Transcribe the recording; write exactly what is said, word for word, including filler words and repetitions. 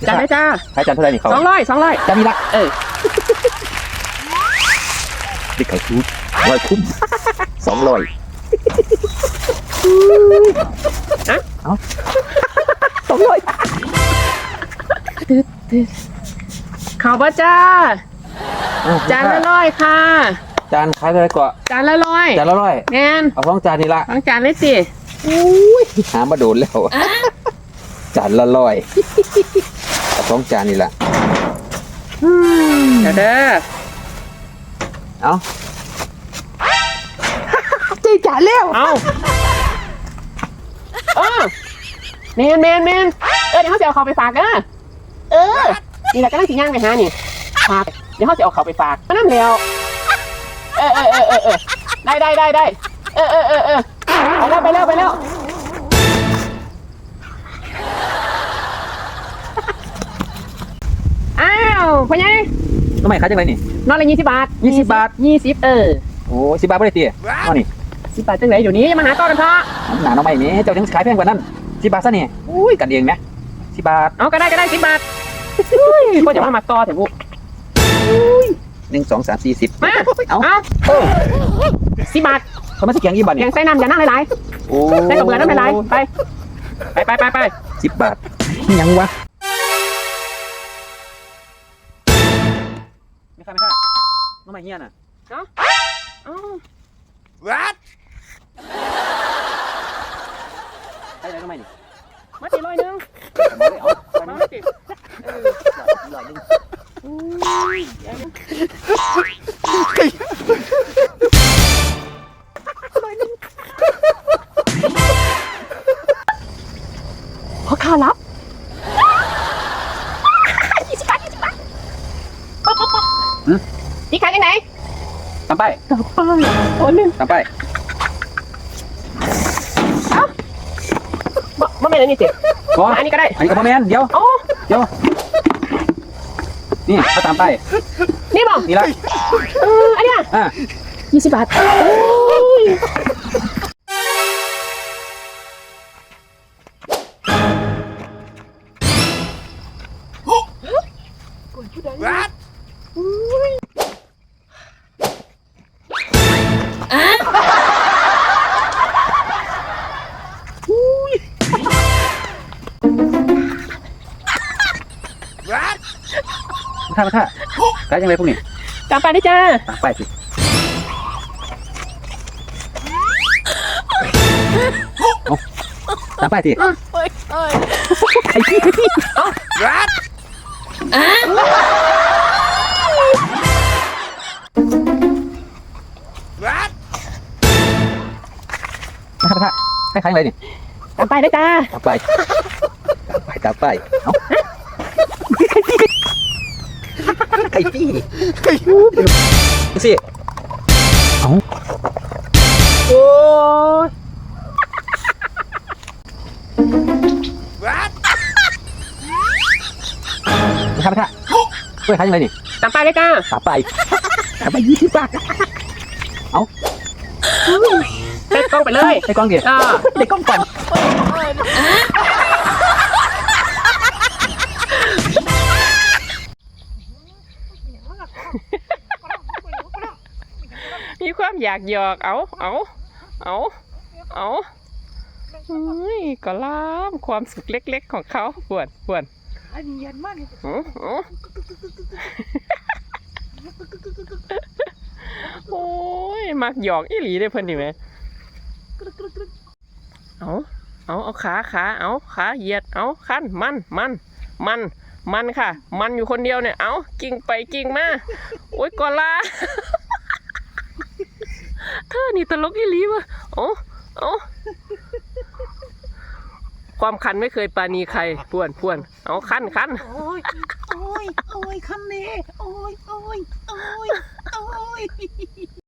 จานได้จ้าขายจานเท่าไหร่นี่เขาสองร้อยสองร้อยจานนี้ละเออดิไข่คุ้มร้อยคุ้มสองร้อยอะเอาสองร้อยข่าวบ่จ้าจานละร้อยค่ะจานขายเท่าไหร่ก่อนจานละร้อยจานละร้อยแน่นเอาสองจานนี่ละสองจานเลยสิอุ้ยหามาโดนแล้วจานละร้อยเอาสองจานนี่ละเดี๋ยวเด้อเอาจีจานแล้วเอาเออเมนเมนเมนเออเดี๋ยวเขาจะเอาเขาไปฝากเออเออนี่แหละก็นั่งสิย่างไปหานี่ฝากเดี๋ยวเขาจะเอาเขาไปฝากก็นั่นแล้วเออเออเออเออเออได้ได้ได้ได้เออเออเออเออไปแล้วไปแล้วไปแล้วอ้าวพ่อใหญ่ทำไมขายจังไรนี่นอนละยี่สิบบาทยี่สิบบาทยี่สิบเออโอ้สิบบาทไม่ได้ตีนอนนี่สิบบาทจังไรอยู่นี้มาหาต่อกันเถอะหนาน้องใหม่เนี่ยเจ้าถึงขายแพงกว่านั้นสิบบาทซะนี่อุ้ยกันเองไหมสิบบาทเอาก็ได้ก็ได้สิบบาทก็จะมามาต่อเถอะบุหนึ่งสองสามสี่สิบมาเอาเอาสิบบาทเขาไม่ใช่แกงยี่บาทแกงใส่น้ำอย่านั่งหลายๆใส่กระเบือน้ำหลายๆไปไปไปไปไปสิบบาทยังวะไม่ใช่ไม่ใช่น้องใหม่เฮียน่ะเนาะอ๋อวัดได้ไหมน้องใหม่นี่มาตีร้อยหนึ่งมาตีเออร้อยหนึ่งขอค่ารับยี่สิบบาทยี่สิบบาทป๊อปป๊อปป๊อปที่ขายที่ไหนตามไปตามไปโอ้ยนึงตามไปเอ้าบ่บ่แม่นอันนี้สิอันนี้ก็ได้อันนี้ก็บ่แม่นเดี๋ยวเดี๋ยวนี่เขาตามไปนี่บ่นี่ละเอออันนี้อ่ะยี่สิบบาทโอ้ยวัดท่าท่าขายยังไงพวกนี้ตามไปได้จ้าตามไปสิตามไปสิไอ้พี่ไอ้พี่วัดวัดมาท่าท่าให้ขายยังไงนี่ตามไปได้จ้าตามไปตามไปตามไปเอ้าไก่พี่ไก่พี่ดูสิเอาโอ้ยวัดไม่ทำไม่ทำเฮ้ยขายยังไงนี่ตามไปเลยจ้าตามไปตามไปยี่สิบบาทเอาเตะกล้องไปเลยเตะกล้องเดี๋ยวเตะกล้องก่อนมีความอยากหยอกเอาเอาเอาเอาเฮ้ยก็ล้ามความสุขเล็กๆของเขาปวดปวดอันนี้ยันมากเลยโอ้ยมักหยอกอีหลีได้เพิ่นดิไหมเอาเอาเอาขาขาเอาขาเหยียดเอาขั้นมันมันมันมันค่ะมันอยู่คนเดียวเนี่ยเอากิ่งไปกิ่งมาโอ้ยก็ล้าเธอนี่ตลกอีหลีวะโอ้โอ้ความคันไม่เคยปาณีใครพวนพวนเอาคันคันโอ้ยโอ้ยโอ้ยคันนี้โอ้ยโอ้ยโอ้ยโอ้ย